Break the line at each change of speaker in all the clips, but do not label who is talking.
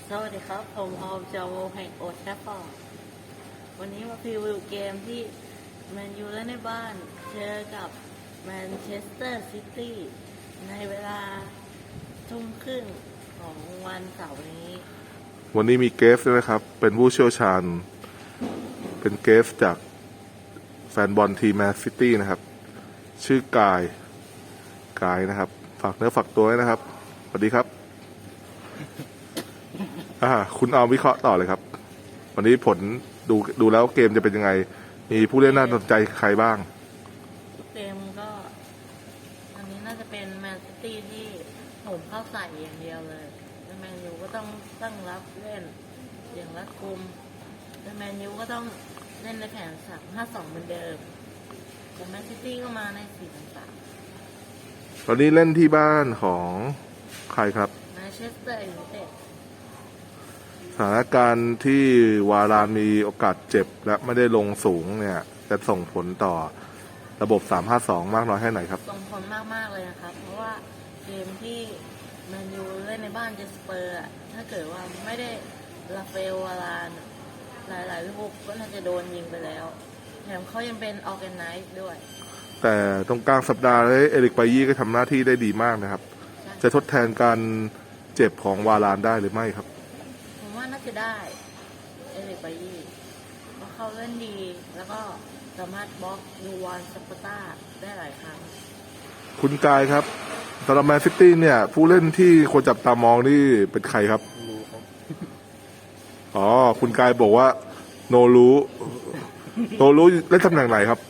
สวัสดีครับผมออมจอวงแห่งโอทแทฟฟอร์ดวันนี้มาพรีวิวเกมที่แมนยูเล่นในบ้านเจอกับแมนเชสเตอร์ซิตี้ในเวลาทุ่มครึ่งของวันเสาร์นี้
วันนี้มีเกสด้วยนะครับเป็นผู้เชี่ยวชาญเป็นเกสจากแฟนบอลทีมแมนซิตี้นะครับชื่อกายนะครับฝากเนื้อฝากตัวด้วยนะครับสวัสดีครับคุณเอาวิเคราะห์ต่อเลยครับวันนี้ผลดูแล้วเกมจะเป็นยังไงมีผู้เล่นน่าสนใจใครบ้าง
เกมก็อันนี้น่าจะเป็นแมนซิตี้ที่โหมเข้าใส่อย่างเดียวเลยแมนยูก็ต้องตั้งรับเล่นอย่างรัดกุมแมนยูก็ต้องเล่นในแผน3-5-2เหมือนเดิมแต่แมนซิตี้ก็มาใน4-3-3
ตอนนี้เล่นที่บ้านของใครครับ
แมนเชสเตอร์ยูไนเต็ด
สถานการณ์ที่วารานมีโอกาสเจ็บและไม่ได้ลงสูงเนี่ยจะส่งผลต่อระบบ 3-5-2 มากน้อยแค่ไหนครับ
ส่งผลมากเลยนะครับเพราะว่าเกมที่แมนยูเล่นในบ้านเจสเปอร์ถ้าเกิดว่าไม่ได้ราฟาเอลวารานหลายลูกก็น่าจะโดนยิงไปแล้วแถมเขายังเป็นออร์แกไนซ์ด้วย
แต่ตรงกลางสัปดาห์เลยเอริกไบยี่ก็ทำหน้าที่ได้ดีมากนะครับจะทดแทนการเจ็บของวารานได้หรือไม่ครับ
ผมว่าน่าจะได้เอริกไบยี่เพราะเขาเล่นดีแล้วก็สามารถบล็อกยูวานสปาต้าได้หลายครั้ง
คุณกายครับสำหรับแมนซิตี้เนี่ยผู้เล่นที่ควรจับตามองนี่เป็นใครครับอ๋อคุณกายบอกว่าโนรู้เล่นตำแหน่งไหนครับ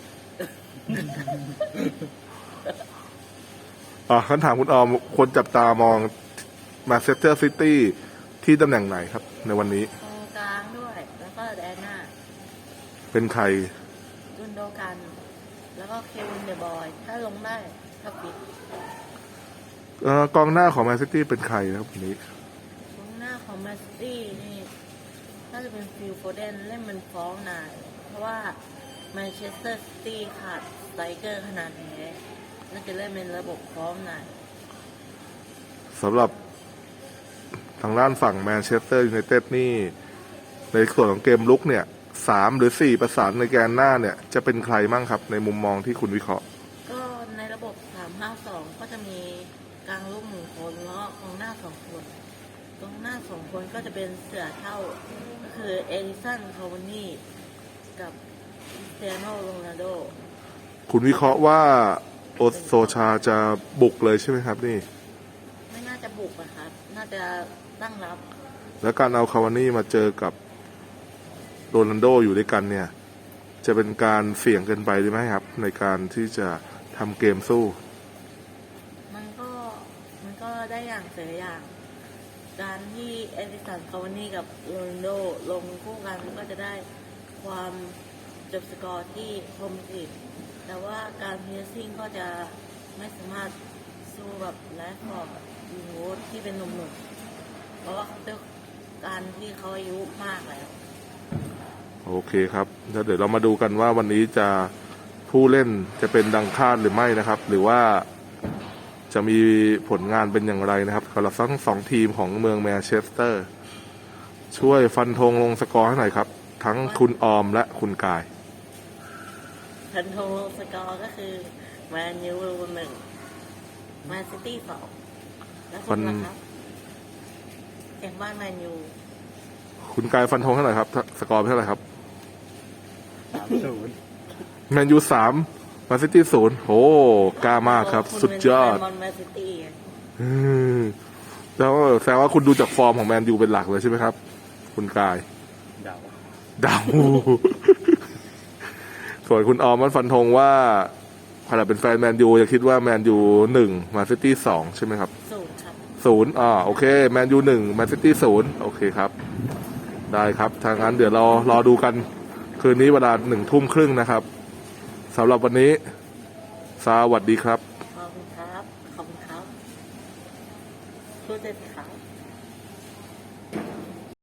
คำถามคุณออมควรจับตามองแมนเชสเตอร์ซิตี้ที่ตำแหน่งไหนครับในวันนี้
ตรงกลางด้วยแล้วก็แดนหน้า
เป็นใคร
กุนโดกันแล้วก็เควินเดอะบอยถ้าลงได้ถ้าปิด
กองหน้าของแมนซิตี้เป็นใครครับวันนี้
กองหน้าของแมนซิตี้นี่น่าจะเป็นฟิลโฟเดนเล่นมันฟ้องนายเพราะว่าแมนเชสเตอร์ซิตี้ขาดสไตรเกอร์ขนาดแท้น่าจะเล่นเป็นระบบพร้อมนาย
สำหรับทางด้านฝั่งแมนเชสเตอร์ยูไนเต็ดนี่ในส่วนของเกมลุกเนี่ย3 หรือ 4ประสานในแกนหน้าเนี่ยจะเป็นใครมั่งครับในมุมมองที่คุณวิเคราะห์
ก็ในระบบ3-5-2ก็จะมีกลางลูก1 คนแล้วก็กองหน้า2 คนกองหน้า2 คนก็จะเป็นเสือเท่าก็คือเอลิสันคาวานี่กับคริสเตียโนโรนัลโด
คุณวิเคราะห์ว่าโอโซชาจะบุกเลยใช่ไหมครับนี่
ไม่น่าจะบุกอะครับน่าจะตั้งรับ
แล้วการเอาคาวานี่มาเจอกับโรนัลโดอยู่ด้วยกันเนี่ยจะเป็นการเสี่ยงเกินไปหรือไม่ครับในการที่จะทำเกมสู้
มันก็ได้อย่างเสียอย่างการที่เอลิสันคาวานี่กับโรนัลโดลงคู่กันก็จะได้ความจบสกอร์ที่คมกริบแต่ว่าการเพรสซิ่งก็จะไม่สามารถสู้กับแรดฟอร์ดยูโรที่เป็นหนุ่มๆเพราะว่าด้วยการที่เขาอายุมากแล้ว
โอเคครับแล้วเดี๋ยวเรามาดูกันว่าวันนี้จะผู้เล่นจะเป็นดังคาดหรือไม่นะครับหรือว่าจะมีผลงานเป็นอย่างไรนะครับสำหรับทั้ง2ทีมของเมืองแมนเชสเตอร์ช่วยฟันธงลงสกอร์ให้หน่อยครับทั้งคุณออมและคุณกาย
พันธงสกอร์ก็คือแมนยู1แมนซิตี้2แล้วคุณล่ะครับแข่งบ้านแมนยู
คุณกายฟันธงให้หน่อยครับสกอร์เป็นเท่าไหร่ครับ
3-0
แมนยู3แมนซิตี้0โอ้กล้ามากครับสุดยอดแล้วแสดงว่าคุณดูจากฟอร์มของแมนยูเป็นหลักเลยใช่ไหมครับคุณกายเดาส่วนคุณออมมันฟันธงว่าขณะเป็นแฟนแมนยูจะคิดว่าแมนยู1แมนซิตี้2ใช่ไหมครับ
0ครับ
0โอเคแมนยู1แมนซิตี้0โอเคครับได้ครับทางนั้นเดี๋ยวเรารอดูกันคืนนี้เวลา19:30นะครับสำหรับวันนี้สวัสดีครับ
ขอบคุณครับพูดได้สิครับ